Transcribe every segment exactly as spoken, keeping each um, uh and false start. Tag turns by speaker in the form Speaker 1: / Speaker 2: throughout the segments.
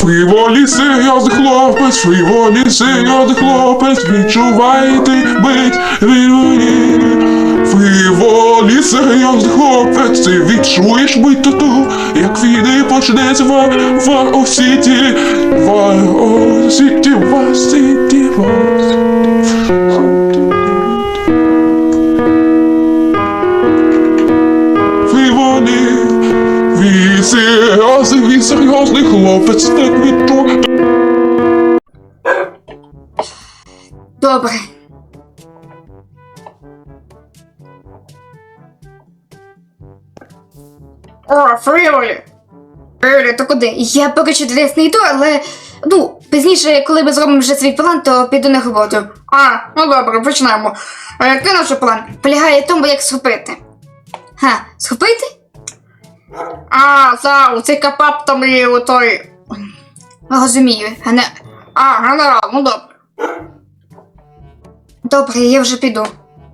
Speaker 1: Фріволі серйозний хлопець, фріволі серйозний хлопець, відчувайте бить фріволі. Фріволі серйозний хлопець, ти відчуєш бить тату, як війни почнеться в Вар-О-Сіті, Вар-О-Сіті, Вар-Сіті, Вар-Сіті. Фріволі, він серйозний, він серйозний хлопець, так відчує.
Speaker 2: Добре.
Speaker 3: О, Фріволі!
Speaker 2: Фріволі, то куди? Я поки що десь не йду, але, ну, пізніше, коли ми зробимо вже свій план, то піду на роботу.
Speaker 3: А, ну добре, почнемо. А який наш план?
Speaker 2: Полягає в тому, як схопити. Га, схопити?
Speaker 3: А, за, цей капап там і отой...
Speaker 2: Розумію, а не...
Speaker 3: А, генерал, ну добре.
Speaker 2: Добре, я вже піду.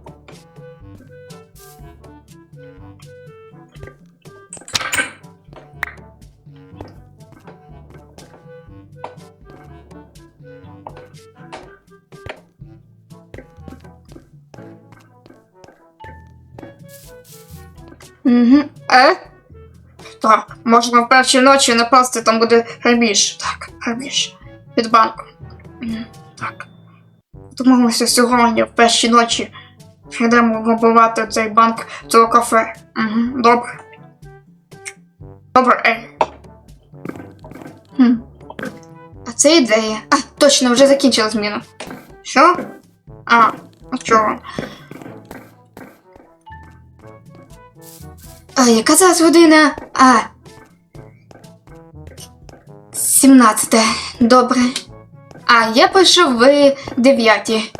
Speaker 2: Угу.
Speaker 3: Е? Так, можна в першій ночі напасти, там буде грабіж. Так, грабіж. Під банком. Мгм, Так. Домовимося сьогодні, в першій ночі. Йдемо грабувати цей банк, цього кафе. Угу, добре. Добре, ей.
Speaker 2: Хм. А це ідея. А, точно, вже закінчила зміну.
Speaker 3: Що? А, ну чого?
Speaker 2: А, яка зараз година? А. сімнадцята. Добре. А, я пишу в дев'ятій.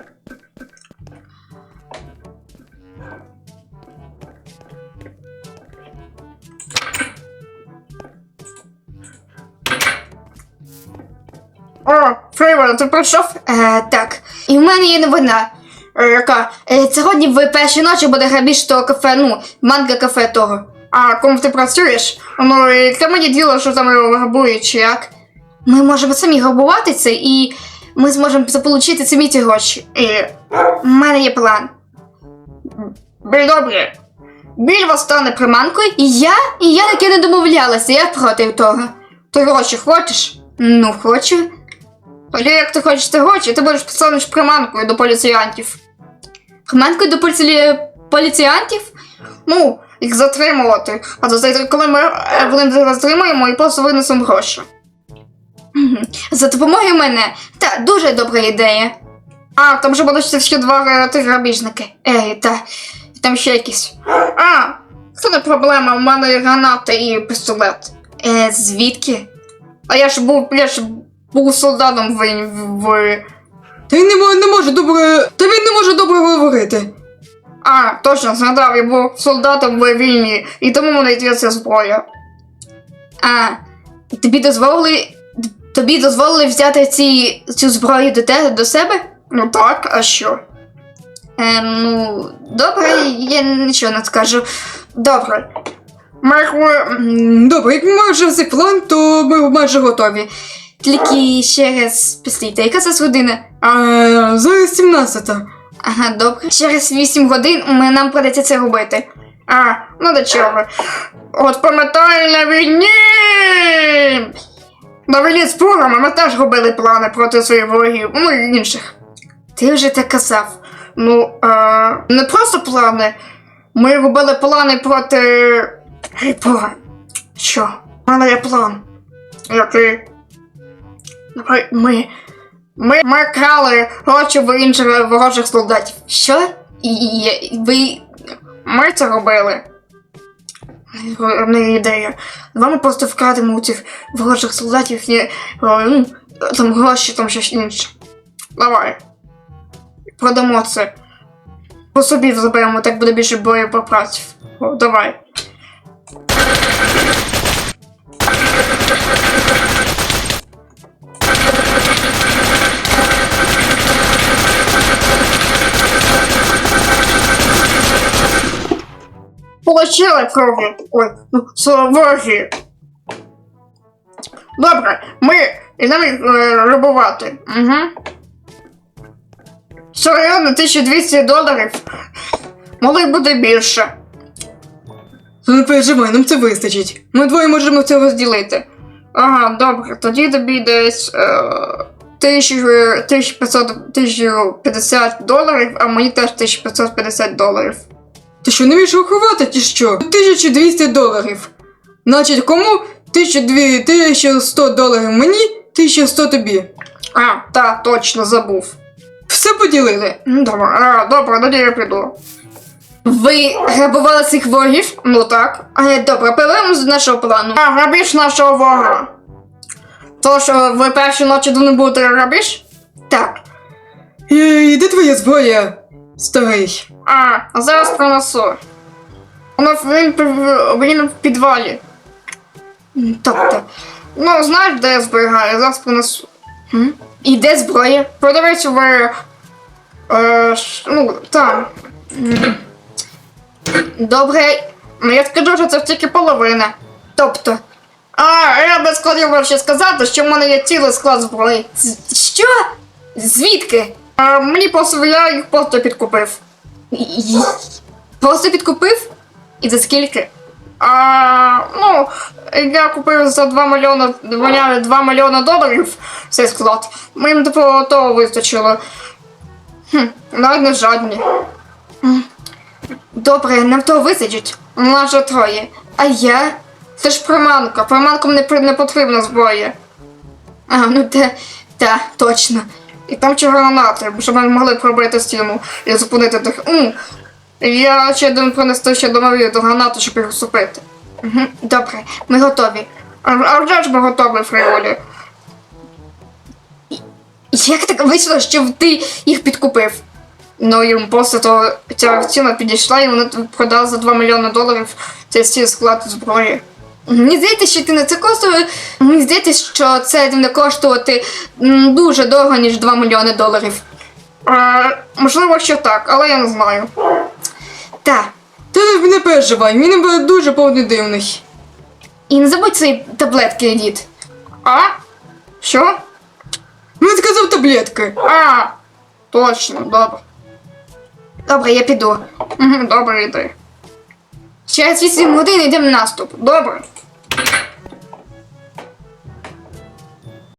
Speaker 3: О, Фріволі, ти прийшов?
Speaker 2: Е, так. І в мене є новина.
Speaker 3: Е, яка?
Speaker 2: Е, сьогодні в першій ночі буде грабіж того кафе, ну, манго-кафе того.
Speaker 3: А, кому ти працюєш? Ну, і це мені діло, що там його грабують, чи як?
Speaker 2: Ми можемо самі грабувати це, і ми зможемо заполучити самі ці гроші.
Speaker 3: І...
Speaker 2: У мене є план.
Speaker 3: Біль добре. Біль вас стане
Speaker 2: Приманкою, і я, і я таки не домовлялася, я проти того.
Speaker 3: Ти гроші хочеш?
Speaker 2: Ну, хочу.
Speaker 3: Тоді як ти хочеш ці гроші, ти будеш поставиш приманкою до поліціянтів.
Speaker 2: Приманкою до поліці... поліціянтів?
Speaker 3: Ну, їх затримувати. А то за- коли ми е, вони затримуємо і просто винесемо гроші.
Speaker 2: Мгм. За допомогою мене. Та, дуже добра ідея.
Speaker 3: А, там же будуть ще два е, тих
Speaker 2: Грабіжники. Ей, та, там ще якісь.
Speaker 3: А, це не проблема, у мене є гранати і пістолет.
Speaker 2: Е, звідки?
Speaker 3: А я ж був, я ж був солдатом в... в...
Speaker 2: Та він не може, не може добре. Та він не може добре говорити.
Speaker 3: А, точно, згадав, я був солдатом в війні, і тому мене йде ця зброя.
Speaker 2: А, тобі дозволили. Тобі дозволили взяти ці, цю зброю до тебе, до себе?
Speaker 3: Ну так, а що?
Speaker 2: Е, ну, добре, я нічого не скажу. Добре.
Speaker 3: Ми, ми...
Speaker 2: М, Добре, як ми вже цей план, то ми майже готові. Тільки ще раз післійте, яка це година?
Speaker 3: А, зараз сімнадцята.
Speaker 2: Ага, добре. Через вісім годин ми, нам придеться це робити.
Speaker 3: А, ну до чого. От пам'ятай на війні! На війні з бурами ми теж робили плани проти своїх ворогів, ну і інших.
Speaker 2: Ти вже так казав.
Speaker 3: Ну, е, не просто плани. Ми робили плани проти... Гей, план. Що? У мене є план. Який? Давай, ми... Ми, ми крали гроші в інших ворожих солдатів.
Speaker 2: Що? І, і, і ви...
Speaker 3: Ми це робили. Не ідея. Давай ми просто вкрадемо у цих ворожих солдатів і, ну, там гроші, там щось інше. Давай. Продамо це. По собі заберемо, так буде більше боєприпасів. О, давай. Получила крові. Ой, ну, вороги. Добре, ми йдемо е, рибувати. Угу. Серйозно, тисяча двісті доларів? Могли б бути більше.
Speaker 4: Не переживай, нам це вистачить. Ми двоє можемо це розділити.
Speaker 3: Ага, добре, тоді тобі десь е, тисячу п'ятсот тисячу п'ятдесят доларів, а мені теж тисяча п'ятсот п'ятдесят доларів.
Speaker 4: Ти що, не вмієш рахувати, чи що? тисяча двісті доларів. Значить, кому тисяча сто доларів мені, тисяча сто тобі.
Speaker 3: А, так, точно, забув.
Speaker 4: Все поділили.
Speaker 3: М, Добре, а, добре, тоді я піду.
Speaker 2: Ви грабували цих ворогів?
Speaker 3: Ну так.
Speaker 2: Е, Добре, повернемось до нашого плану.
Speaker 3: А, грабіж нашого ворога. Тож, е, ви перші ночі не будете грабіж?
Speaker 2: Так.
Speaker 4: Ей, де твоя зброя, старий?
Speaker 3: А, зараз принесу. Воно він, пів- він в підвалі.
Speaker 2: М, Тобто.
Speaker 3: Ну, знаєш, де я зберігаю, зараз принесу.
Speaker 2: м? І де зброя?
Speaker 3: Продавець в... Е, ш- ну, там.
Speaker 2: Добре.
Speaker 3: Ну, я скажу, що це тільки половина.
Speaker 2: Тобто.
Speaker 3: А, я би хотів ще сказати, що в мене є цілий склад зброї.
Speaker 2: з- Що? Звідки?
Speaker 3: А, мені просто, я їх просто підкупив.
Speaker 2: І- Просто підкупив? І за скільки?
Speaker 3: А, ну, я купив за два мільйони, два мільйони доларів цей склад. Мені типу того вистачило. Хм, навіть не жадні.
Speaker 2: Добре, нам того вистачить.
Speaker 3: У нас же троє.
Speaker 2: А я?
Speaker 3: Це ж приманка, приманкам не, при- не потрібна зброя.
Speaker 2: А, ну те, та, точно.
Speaker 3: І там ще гранати, щоб ми могли пробити стіну і зупинити тих. М, Я ще один принести ще домові до гранату, щоб їх усупити.
Speaker 2: Угу, добре, ми готові.
Speaker 3: А, а вже ж ми готові, Фріолі.
Speaker 2: Як так вийшло, що ти їх підкупив?
Speaker 3: Ну, їм просто то ця ціна підійшла, і вони продали за два мільйони доларів цей стіль склад зброї.
Speaker 2: Мені здається, що ти не це коштує. Мені здається, що це не коштувати м, дуже дорого, ніж два мільйони доларів.
Speaker 3: А, можливо, що так, але я не знаю.
Speaker 2: Та.
Speaker 4: Ти не переживай, він буде дуже повний дивний.
Speaker 2: І не забудь свої таблетки, дід.
Speaker 3: А? Що?
Speaker 4: Він сказав таблетки.
Speaker 3: А, точно, добре.
Speaker 2: Добре, я піду.
Speaker 3: Угу, добре, йди.
Speaker 2: Через вісім годин йдемо в наступ.
Speaker 3: Добре.